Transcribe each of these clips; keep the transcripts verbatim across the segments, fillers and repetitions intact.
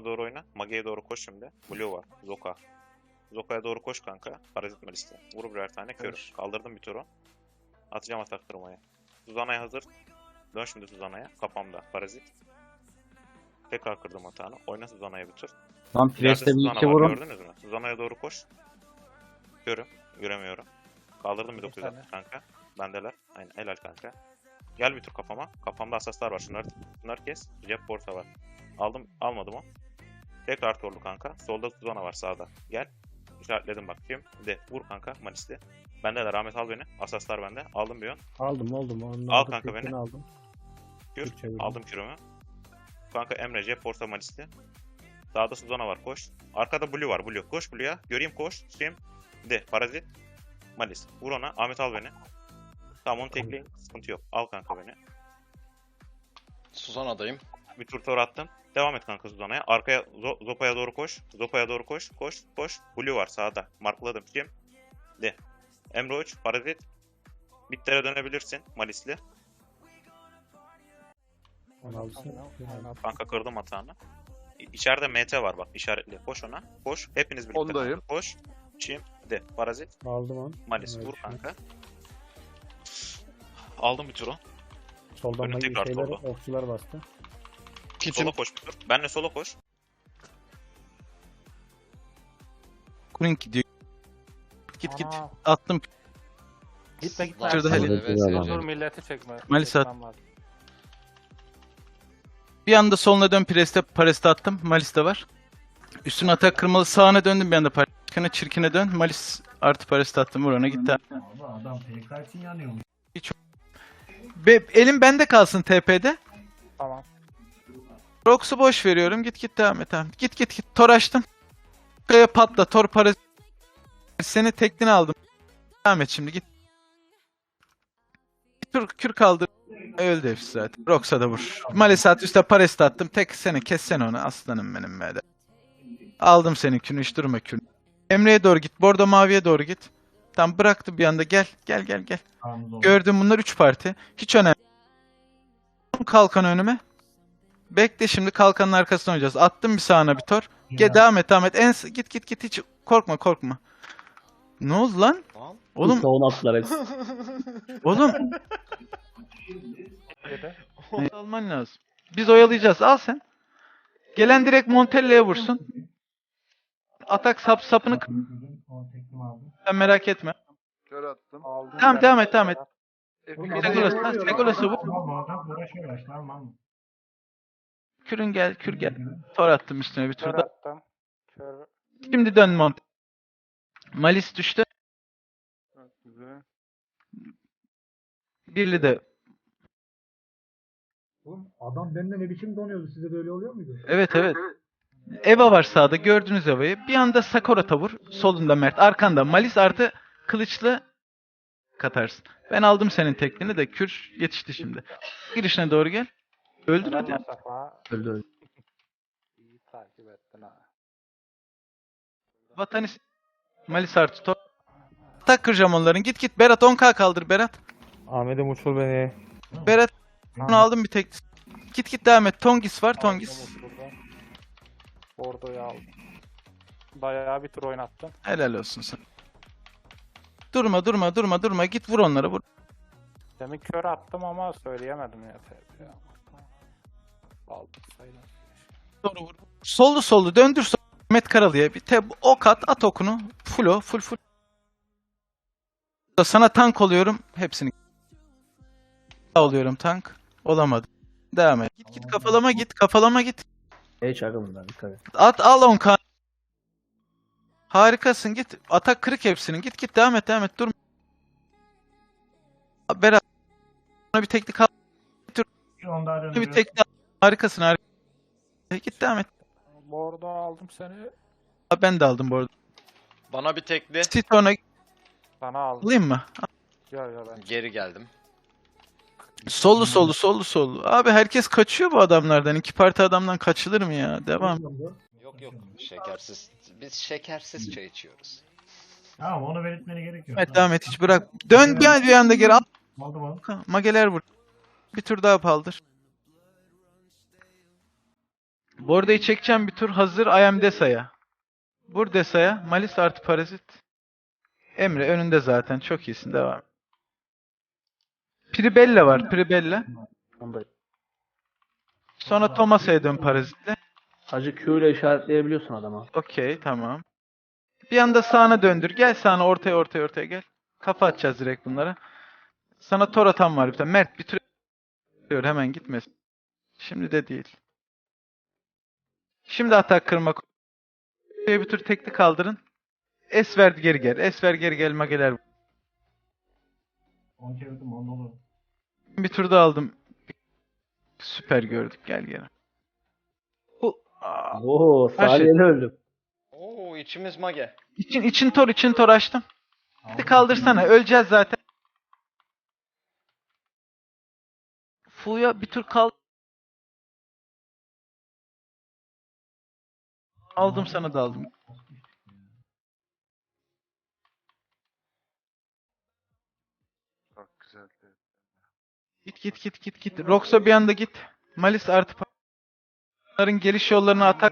bana doğru oyna. Mage'ye doğru koş şimdi. Blue var. Zoka. Zoka'ya doğru koş kanka. Parazit Malis'te. Vur birer tane kör. Kaldırdım bir turu. Atacağım atak tırmaya. Suzana'ya hazır. Dön şimdi Suzana'ya. Kafamda. Parazit. Tekrar kırdım atağını. Oyna Suzana'ya bir tur. Lan İleride Flash'te bir Suzana iki var, vurun. gördünüz mü? Suzana'ya doğru koş. Görüm. Göremiyorum. Kaldırdım bir dokuz yüz altmış kanka. Bendeler. Aynen helal kanka. Gel bir tur kafama. Kafamda asaslar var. Şunları, şunları kes. Cep porta var. Aldım. Almadım o. Tekrar torlu kanka. Solda Suzana var sağda. Gel. İşaretledim bak. Kim? De. Vur kanka. Malisli. Bendeler. Ahmet al beni. Asaslar bende. Aldım bir ön. Aldım aldım. Onu Al aldım, kanka tekini beni. Aldım. Kür. Kür çevirdim. Aldım kürümü. Kanka Emre. Cep porta Malisli. Sağda Suzana var. Koş. Arkada Blue var. Blue. Koş Blue'ya. Göreyim koş. Kim? De. Parazit. Malis. Vur ona. Ahmet al beni. Tamam onu tekleyin. Sıkıntı yok. Al kanka beni. Suzana'dayım. Bir tur tor attım. Devam et kanka Suzana'ya. Arkaya Zo- Zopa'ya doğru koş. Zopa'ya doğru koş. Koş. Koş. Blue var sağda. Markladım. Kim? De. Emre Uç. Parazit. Bittere dönebilirsin. Malisli. Onu alsın. Kanka kırdım hatağını. İ- İçeride M T var bak. İşaretli. Koş ona. Koş. Hepiniz birlikte. Ondayım. kanka. Koş. Çim. De. Parazit. Aldım onu. Malis. Evet, Vur şu- kanka. Aldım bir turu. Soldan Önüm da tekrar şeyler, solda. okçular bastı. Kitim. Sola koş bir tur. Benle sola koş. Kuring gidiyor. Git git. Ana, Attım. Gitme gitme. Şurada Dur, hele. Dur milleti çekme. Malisa at. Çekmem var. Bir anda soluna dön preste pareste attım. Malis de var. Üstüne atak kırmalı sağına döndüm bir anda parçana çirkine dön. Malis artı pareste attım. Vur ona gitti. Adam P K için yanıyormuş. Be, elim bende kalsın T P'de. Tamam. Rox'u boş veriyorum. Git git devam et. Tamam. Git git git. Tor açtım. Kaya patla. Tor parası. Seni teklini aldım. Devam et şimdi git. Bir tur kür kaldır. Öldü hepsi zaten. Rox'a da vur. Malisat üstte pareste attım. Tek seni kessen onu. Aslanım benim be de. Aldım senin kürünü. Hiç durma kürünü. Emre'ye doğru git. Bordo maviye doğru git. Tam bıraktı bir anda. Gel. Gel gel gel. Gördüm bunlar üç parti. Hiç önemli. Kalkan önüme. Bekle şimdi kalkanın arkasına oynayacağız. Attım bir sağına bir tor. Gel devam et devam et. En git git git hiç korkma korkma. Ne oldu lan? Tamam. Oğlum Onu attılar hepsi. oğlum Yedi. ne alman lazım. Biz oyalayacağız. Al sen. Gelen direkt Montella'ya vursun. Atak sap sapını k- sen merak etme. Kör attım. Aldım Tamam ben. devam et devam et. Hepimiz- Legolas, ha, Legolas'ı vur. Kürün gel, kür gel. Tor attım üstüne bir Kör turda. attım. Kör. Şimdi dön Mont. Malis düştü. Güzel. Birli de. Oğlum adam benden ne biçim donuyordu? Size böyle oluyor muydu? Evet evet. Eva var sağda. Gördünüz Eva'yı. Bir anda Sakura tavur. Solunda Mert. Arkanda Malis artı kılıçlı katarsın. Ben aldım senin teklini de kür yetişti şimdi. Girişine doğru gel. Öldür Helal hadi. Mustafa. Öldü öldü. İyi takip ettin ha. Vatanis Malis artı top. Tak kıracağım onların. Git git Berat on K kaldır Berat. Ahmet'im uçur beni. Berat onu aldım bir tek. Git git devam et. Tongis var Tongis. Aldım oturdu. Bordo'yu aldım. Bayağı bir tur oynattım. Helal olsun sen. Durma durma durma durma. Git vur onları vur. Demin kör attım ama söyleyemedim ya. Ya. Aldım sayılır. Doğru vur. Sollu sollu döndür sol. Mehmet Karalı'ya bir te ok at at okunu. Full o full full. Sana tank oluyorum hepsini. Oluyorum tank. Olamadı. Devam et. Git git kafalama git kafalama git. Hiç akımdan dikkat et. At al on K. Harikasın git. Atak kırık hepsinin. Git git devam et devam et dur. Berat. Ona bir teknik al. Bir teknik al. Harikasın harikasın. Git devam et. Bordo aldım seni. Aa, ben de aldım bu arada. Bana bir tekli. Titon'a Sana aldım. alayım mı? Yo yo ben. Geri geldim. Sollu sollu sollu sollu. Abi herkes kaçıyor bu adamlardan. İki parti adamdan kaçılır mı ya? Devam. Yok yok. Şekersiz. Biz şekersiz çay içiyoruz. Tamam onu belirtmene gerek yok. Evet devam et hiç bırak. Dön gel bir anda geri al. Aldım aldım. Mageler vur. Bir tur daha paldır. Bordayı çekeceğim bir tur. Hazır. I am Desa'ya. Vur Desa'ya. Malis artı parazit. Emre önünde zaten. Çok iyisin. Devam. Pribella var. Pribella. Ondayım. Sonra Thomas'a dön parazitle. Hacı Q ile işaretleyebiliyorsun adama. Okey, tamam. Bir anda sağına döndür. Gel sağına, ortaya ortaya ortaya gel. Kafa atacağız direkt bunlara. Sana tor atan var bir tane. Mert bir tür diyor, hemen gitmesin. Şimdi de değil. Şimdi atak kırmak. Bir tür tekli kaldırın. Es ver geri gel. Es ver geri gel mageler. On çevirdim on olur. Bir tur da aldım. Süper gördük. Gel gel. Bu Aa, Oo, Her şey- saniyede öldüm. Oo içimiz mage. için için tor için tor açtım. Hadi kaldırsana. Öleceğiz zaten. Fuya bir tur kal. Aldım sana da aldım. Çok güzeldi. Git git git git git. Rox'a bir anda git. Malis artı Bunların geliş yollarına atak.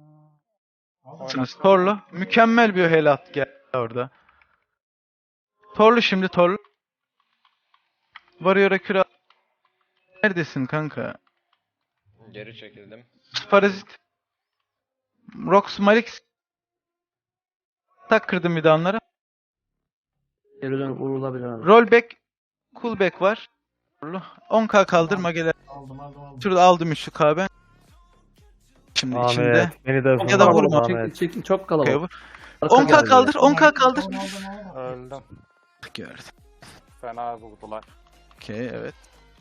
Torlu. Mükemmel bir helat geldi orada. Torlu şimdi Torlu. Varıyor'a küre. Neredesin kanka? Geri çekildim. Parazit. Rox Malix. Tak kırdım bir de onlara. Geri dön vurulabilir abi. Rollback. Coolback var. Torlu. on K kaldır mageler. Aldım aldım aldım. Şurada aldım üçlü K ben. Şimdi içinde. Ahmet beni de Ya da vurma. Ahmet. Çekil çekil çok Okey, kalabalık. vur. Arka on K geldi. kaldır. on K kaldır. Aldım aldım aldım. Öldüm. Gördüm. Fena vurdular. Okey, evet.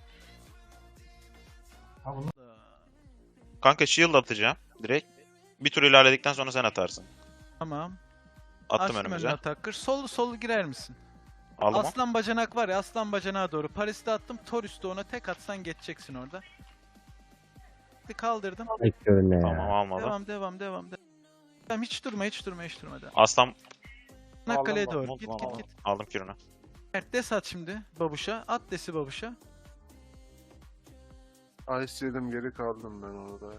Ha bunu Kanka shield atacağım direkt. Bir tur ilerledikten sonra sen atarsın. Tamam. Attım Açtım önümüze. önüne atakır. Sollu sollu girer misin? Aldım o. Aslan bacanak var ya, aslan bacanağa doğru. Paris'te attım. Tor üstü ona tek atsan geçeceksin orada. Bir kaldırdım. Tamam almadım. Devam devam devam. devam. Tamam, hiç durma hiç durma hiç durma. Devam. Aslan Çanakkale'ye Aldım, doğru. aldım, Git aldım, git aldım. git. Aldım kürünü. Mert des at şimdi babuşa. At desi babuşa. Ice yedim geri kaldım ben orada ya.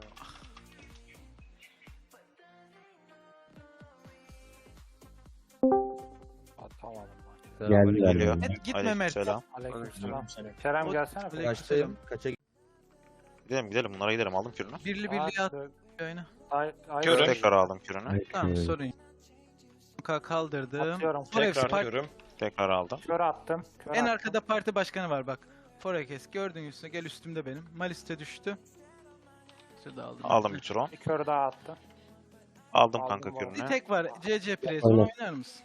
Atamadım maçı. Geldiler. Geliyor. Evet, gitme Mert. Aleykümselam. Aleykümselam. Kerem gelsene. Aleykümselam. Gidelim gidelim bunlara gidelim. Aldım kürünü. Birli birli at oyna. Ay, ay, Körüm. Tekrar aldım kürünü. Tamam, sorun yok. K kaldırdım. Atıyorum. Forex Tekrar part- körüm. Tekrar aldım. Kör attım. Kör En attım. arkada parti başkanı var bak. Forex gördün üstüne, gel üstümde benim. Malis'te düştü. Şurada aldım. Aldım bir tur on. Bir kör daha attım. Aldım Aldım kanka bu. Bir kürünü. tek var. C C Press. Aynen. Onu oynar mısın?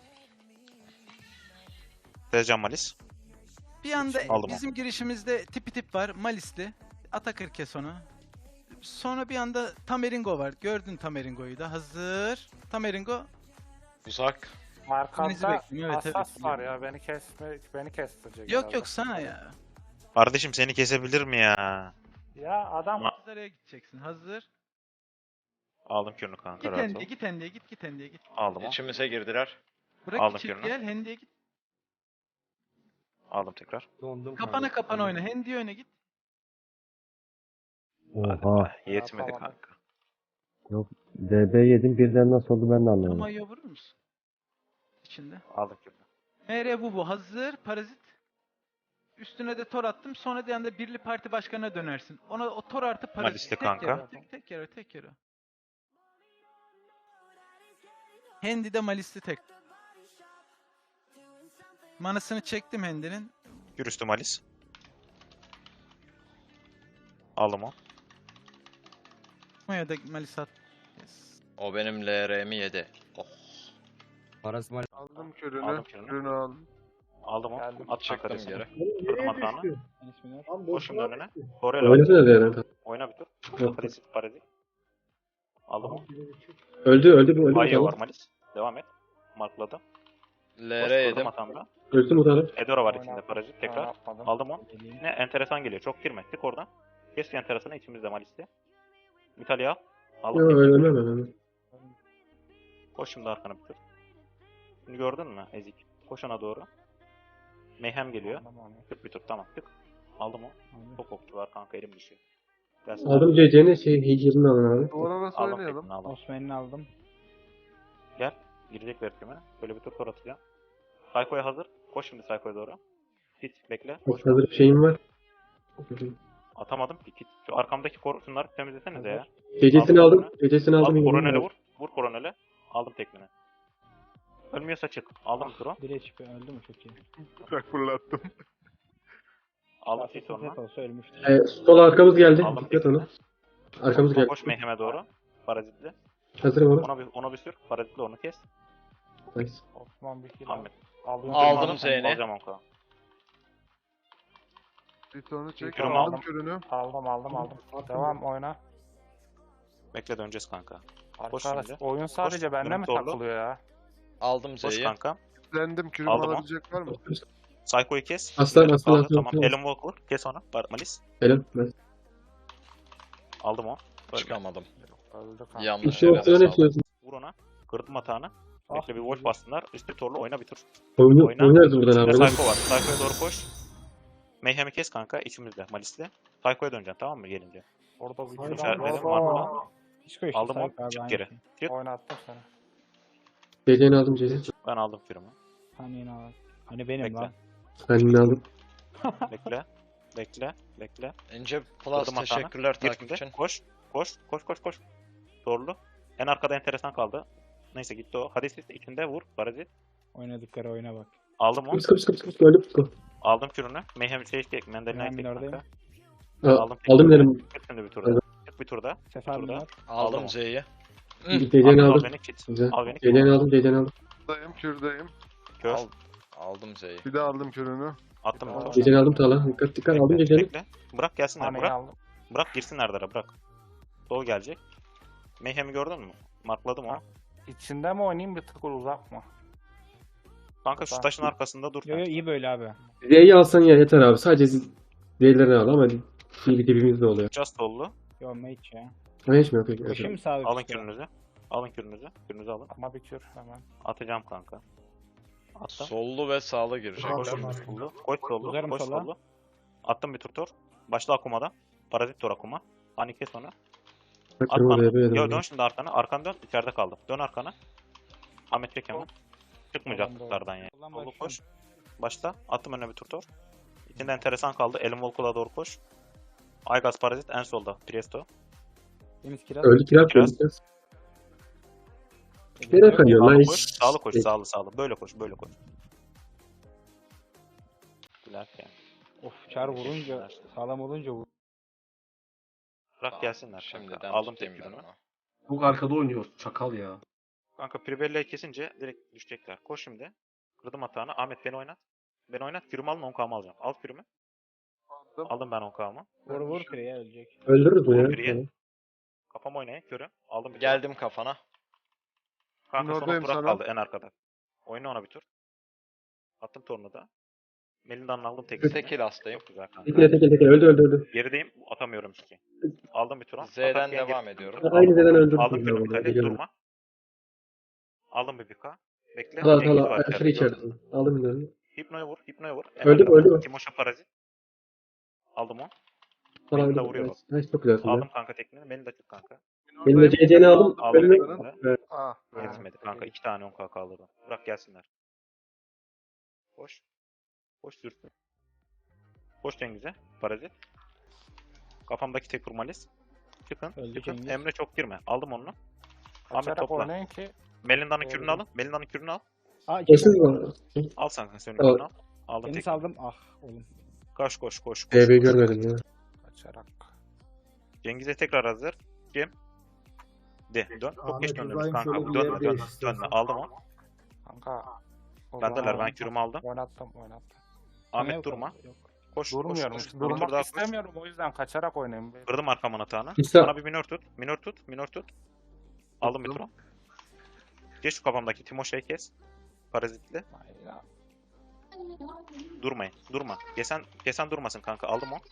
Tezcan Malis. Bir anda Aldım bizim girişimizde tipi tip var. Malis'li. Atakır kes onu. Sonra bir anda Tameringo var. Gördün Tameringo'yu da. Hazır. Tameringo. Uzak. Birinizi Arkamda bekliyorum, evet, asas evet. var ya. Beni kesme, beni kestirecek. Yok herhalde. yok sana ya. Kardeşim seni kesebilir mi ya? Ya adam Ma- Nereye gideceksin? Hazır. Aldım kürünü kanka Git rahat ol. hendiye git hendiye git git hendiye git. Aldım o. İçimize girdiler. Bırak Aldım içip birini. gel hendiye git. Aldım tekrar. Kapana kapana oyna. Hendiye oyna git. Oha. Yetmedi Yapamadım. kanka. D B yedim birden nasıl oldu ben de anlamadım. Ama ya vurur musun? İçinde. Aldım kürünü. M R bu bu. Hazır. Parazit. Üstüne de tor attım. Sonra bir anda birli parti başkanına dönersin. Ona o tor artı parazit. Malisli Tek kanka. yere, tek, tek yere tek yere. Hendi de Malisli tek. Manasını çektim Hendi'nin. Kür üstü Malis. Aldım o. Maya da Malis at. Yes. O benim L R'mi yedi. Oh. Aldım kürünü. Aldım kürünü. Kürünü aldım. Aldım o. Geldim. At Çaktım kanka geri. Kırdım atağını. Koş şimdi önüne. Oraya Oynasana diğer yana. Oyna bir tur. Yok. Parazit parazit. Aldım o. Öldü öldü bu öldü Ayo var bakalım. Malis. Devam et. Markladım. L Koş R kırdım yedim. atağında. Öldü mü utanıp? Edora var Oyna- içinde parazit tekrar. oynatmadım. Aldım o. Ne enteresan geliyor. Çok girme. Tık oradan. Kes enteresanı içimizde Malis'te. İtalya al. Aldım. Yok ölmem ölmem. Koş şimdi arkana bir tur. Şimdi gördün mü Ezik? Koş ona doğru. Mayhem geliyor. Aldım onu. Tık bir tur tamam tık. Aldım o. Çok okçu var kanka elim düşüyor. Gelsin. Aldım C C'ni şey Hicr'ini alın abi. Duvara nasıl Aldım oynayalım? tekini aldım. Osman'ını aldım. Gel. Girecek verkime. Böyle bir tur tur atacağım. Psycho'ya hazır. Koş şimdi Psycho'ya doğru. Hit bekle. Koş. Hazır bir şeyim var. Atamadım ki. Hit. Şu arkamdaki kor şunları temizlesenize ya. C C'sini Aldım. aldım. C C'sini Al aldım. koronele vur. Vur koronele. Aldım tekmini. Ölmüyorsa çık. Aldım turu. Bir H P öldü mü çok iyi. Bırak fırlattım. Aldım hit sonra. olsa ölmüştü. Ee, sol arkamız geldi. Aldım Dikkat tekmini. ona. Arkamız geldi. Koş Mayhem'e doğru. Parazitli. Hazırım ona. Ona bir, ona bir sür. Parazitli onu kes. Nice. Osman bir kill Ahmet. aldım. Aldım Zeyn'i. Alacağım onka. Bir tonu çek. Kürümü Aldım aldım. kürünü. Aldım aldım aldım. Devam oyna. Bekle döneceğiz kanka. Koş Arkadaş şimdi. oyun sadece bende Dönüp mi zorla. takılıyor ya? Aldım Koş Z'yi. kanka. Lendim kürümü Aldım o. alabilecek var mı? Psycho'yu kes. Aslan, Yürü, aslan, aldım, aslan, Tamam. aslan. Alan Walker. Kes onu. Bar- Malis. Helal. Nice. Aldım o. Öyle. Çıkamadım. Öldü kanka. Yanlış İşte yere opsiyonu sağladım. istiyorsun. Vur ona. Kırdım hatanı. Ah, Bekle bir wolf bassınlar. Üstü torlu oyna bir tur. Oyunu, Oyna. oynarız buradan İçinde abi. Psycho var. Psycho'ya doğru koş. Mayhem'i kes kanka. İçimizde. Malis'le. Psycho'ya döneceksin tamam mı gelince? Orada bir Hayır, kill hayır, aldım. hayır, Orada- markla. Hiç koy Aldım Sayık o. abi, Çık aynı geri. şey. Çık. Oynattım seni. C C'ni aldım C C. Ben aldım firma. Hani yine al. Hani benim Bekle. lan. Kendini aldım. Bekle. Bekle. Bekle. İnce Plus Kırdım hatanı. teşekkürler Gir takip şimdi. için. Koş. Koş. Koş koş koş. Torlu. En arkada enteresan kaldı. Neyse gitti o. Hadi siz içinde vur. Parazit. Oynadıkları oyuna bak. Aldım onu. Kıps kıps kıps kıps öldü psiko. Aldım kürünü. Mayhem şey tek. Mendelin Ben tek minördeyim. kanka. Aa, Aldım. aldım dedim. Çık şimdi bir turda. Çık bir turda. Sefer Turda. minör. Aldım Aldım o. Z'yi. C C'ni Al aldım. beni kit. Güzel. Al beni C C'ni kit. aldım C C'ni aldım. Dayım kürdeyim. Kör. Al- Aldım Z'yi. Bir de aldım kürünü. Attım bir Aa. tur. C C'ni aldım Tala. Dikkat dikkat aldım C C'ni. Bekle. Bırak gelsinler. Hani Bırak. aldım. Bırak girsinler dara bırak. Doğu gelecek. Mayhem'i gördün mü? Markladım o. İçinde mi oynayayım bir tık uzak mı? Kanka şu Tamam. taşın arkasında dur. Yo yo iyi böyle abi. Z'yi alsan ya yeter abi. Sadece Z'lerini al ama bir dibimiz de oluyor. Just oldu. Yo mage ya. Ama hiç mi yok? Peki. Koşayım mı sağa? Alın kürünüzü. Alın kürünüzü. Kürünüzü alın. Ama bir kür hemen. Atacağım kanka. Attım. Sollu ve sağlı Koş girecekler. sollu. Koş sollu. Uzarım Koş sola. sollu. Attım bir tur tor. Başla Akuma'da. Parazit tor Akuma. Hani kes onu. Bak At kırma bana. D B Yo yedim. dön şimdi arkana. Arkan dön. İçeride kaldım. Dön arkana. Ahmet çek hemen. Çıkmayacak Soldan doğru. tutardan yani. Soldan Sollu başlıyorum. koş. Başla. Attım önüne bir tur tor. İçinde enteresan kaldı. Elim Volkul'a doğru koş. Aygaz Parazit en solda. Priesto. Deniz kiraz. Öldü kiraz Kiraz. öldü kiraz. Nereye kayıyor lan? Sağlı Hiç- koş. Sağlı koş. Hiç- Sağlı sağlı. Böyle koş. Böyle koş. Güzel yani. Of çar vurunca sağlam olunca vur. Bırak gelsinler. Şimdiden Kanka. Aldım tutayım ben tepkini. onu. Bu arkada oynuyor. Çakal ya. Kanka Pribelle'yi kesince direkt düşecekler. Koş şimdi. Kırdım hatanı. Ahmet beni oynat. Beni oynat. Kürümü alın on K'mı alacağım. Al kürümü. Aldım. Aldım ben on K'mı. Vur vur pireye ölecek. Öldürürüz Vur bu biriye. ya. Kafama oynayın. Körü. Aldım bir tur. Geldim kafana. Kanka son Oradayım Burak sana. kaldı en arkada. Oyna ona bir tur. Attım torunu da. Melinda'nın aldım tekini. Tekil hastayım. Çok güzel kanka. Tekile tekile tekile öldü öldü öldü. Gerideyim. Atamıyorum ki. Aldım bir tur. Z'den Atarken devam geri- ediyorum. Aynı Z'den öldürdüm. Aldım ya kürümü bunu, kale. biliyorum. Durma. Aldım bir bika. Bekle. Tala Cengiz tala var aşırı içeride. içeride. Aldım bir Hipno'ya vur. Hipno'ya vur. En Öldü mü, arkada. öldü mü? Timoş'a parazit. Aldım o. Tala Beni de öldü. vuruyor. Nice, nice, çok güzelsin. Aldım Aldım. kanka tekniğini. Beni de çık kanka. Benim de C C'ni aldım. Aldım Önüme... tekniğini. Evet. Ah. be. Yetmedi kanka. iki tane on K kaldırdım. Bırak gelsinler. Koş. Koş sürsün. Koş Cengiz'e. Parazit. Kafamdaki tek kurmalis. Çıkın. Öldü Çıkın. Cengiz. Emre çok girme. Aldım onu. Ahmet Kaçarak topla. oynayın ki. Melinda'nın Doğru. kürünü alın. Melinda'nın kürünü al. Aa Kesin iki mi? Al sen senin Al. kürünü al. Aldım Deniz tek. aldım. Ah oğlum. Koş koş koş. koş, D B'yi koş. görmedim ya. Kaçarak. Cengiz'e tekrar hazır. Kim? De. Dön. Çok Ahmet geç döndünüz İbrahim kanka. şöyle bir Dönme yer dönme. değiştirsin. Dönme. Aldım onu. Kanka. o Bendeler. zaman Ben kürümü aldım. Oynattım oynattım. Ahmet Yok, durma. yok. Koş. Durmuyorum. Koş, koş. Bir tur Durmak daha koş. istemiyorum o yüzden kaçarak oynayayım. Kırdım arkamın atağını. İsa. Bana bir minör tut. Minör tut. Minör tut. Aldım bir turu. Geç şu kafamdaki Timoşe'yi kes. Parazitli. Hayır. Durmayın. Durma. Kesen, kesen durmasın kanka. Aldım o.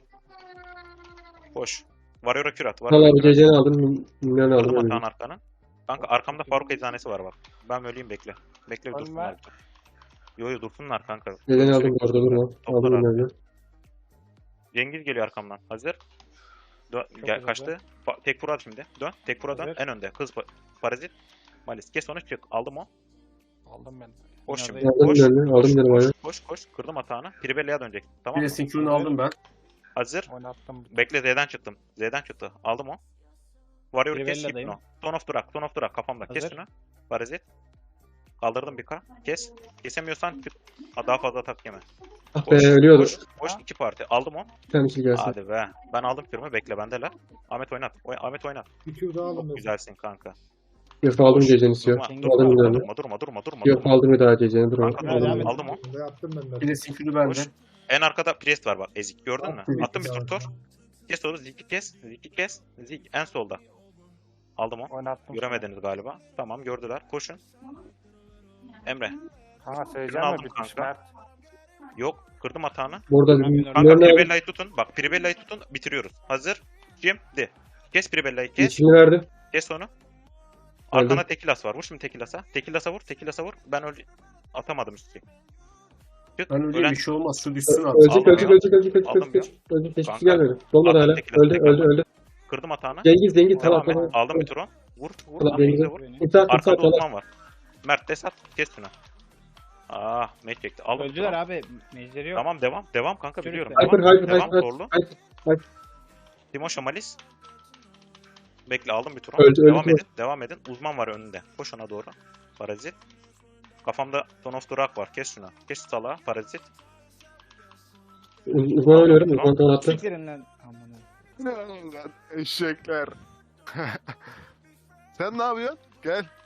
Koş. Warrior'a kür at. Tala Warrior'a abi kür C at. C'ni aldım. Minyon aldım. Kırdım öldüm. atağın arkanı. Kanka arkamda Faruk eczanesi var bak. Ben öleyim bekle. Bekle bir Ölme. dursunlar. Yo yo dursunlar kanka. C C'ni aldım. Sürekli Orada durma. toplar Aldım arkaya. öldü. Cengiz geliyor arkamdan. Hazır. Dön, Çok gel hızlı. kaçtı. Pa- tek vur at şimdi. Dön. Tek vur at. Hazır. En önde. Kız pa- parazit. Malis. Kes onu çık. Aldım o. Aldım ben. Koş Yine şimdi. de- Aldım Koş. ben de, Koş. aldım benim Koş. ayağı. Koş. Koş. Kırdım atağını. Piribelli'ye dönecek. Tamam Bir mı? de Sinkron'u aldım ben. Hazır. Oynattım. Bekle Z'den çıktım. Z'den çıktı. Aldım o. Warrior kes Piribelli'deyim. Hypno. Son of Durak. Son of Durak kafamda. Kes Hazır. şunu. Parazit. Kaldırdım bir K. Kes. Kesemiyorsan çık. Ha, daha fazla atak yeme. Ah Koş. be ölüyordu. Koş. Koş. iki parti. Aldım o. Bir tane şey gelsin. Hadi be. Ben aldım kürümü. Bekle bendeler. Ahmet oynat. Oy- Ahmet oynat. Bir kür daha aldım Çok güzelsin kanka. Yok aldım Koş. geceni istiyor. Durma, Aldım durma, Aldım durma, geceni. durma, durma, durma, durma, Yok durma. aldım bir daha geceni. Dur Kanka, aldım. aldım, aldım o. Ne yaptım ben de. Bir de Sinkron'u bende. Koş. En arkada Priest var bak. Ezik gördün mü? Attım. Attım bir tur tor. Kes onu. Ziki kes. Ziki kes. Zik en solda. Aldım o. Oynattım. Göremediniz galiba. Tamam gördüler. Koşun. Emre. Kanka söyleyeceğim aldım mi? Bitmiş kanka. Mert. Yok. Kırdım atağını. Burada Kanka Leon'u Pribella'yı tutun. Bak Pribella'yı tutun. Bitiriyoruz. Hazır. Şimdi. Kes Pribella'yı kes. yeşilini verdi. Kes onu. Arkana Tekilas var. Vur şimdi Tekilas'a. Tekilas'a vur. Tekilas'a vur. Ben öl atamadım üstü. Çık. Ben öyle Ölen- bir şey olmaz. Şu düşsün at. Ölecek Aldım ölecek ya. ölecek ölecek ölecek Aldım ölecek ölecek. Ölecek hiçbir Kanka. şey gelmedi. Dolmadı Aldım hala. tekrar, Öldü tekrar. öldü öldü. Kırdım atağını. Cengiz Cengiz Devam tamam et. tamam. Aldım bir turu. Vur. Vur. Tamam, Vur. Cengiz'e. vur. İmza at imza Arkada at. Yallah. uzman var. Mert Desat. Kes şunu. Ah, mate çekti. Aldım. Öldüler turu. abi. Mecleri yok. Tamam devam. Devam kanka Çocuk biliyorum. devam. Hyper Devam. hyper Devam. hyper Zorlu. hyper. Timo Şamalis. Bekle aldım bir turu. Öldü, öldü devam Timo. edin. Devam edin. Uzman var önünde. Koş ona doğru. Parazit. Kafamda Son of Durak var. Kes şunu. Kes salağı. Parazit. Uz- Uzman oynuyorum. Uzman tamam attı. Siktirin lan. Aman Ne lan eşekler. Sen ne yapıyorsun? Gel.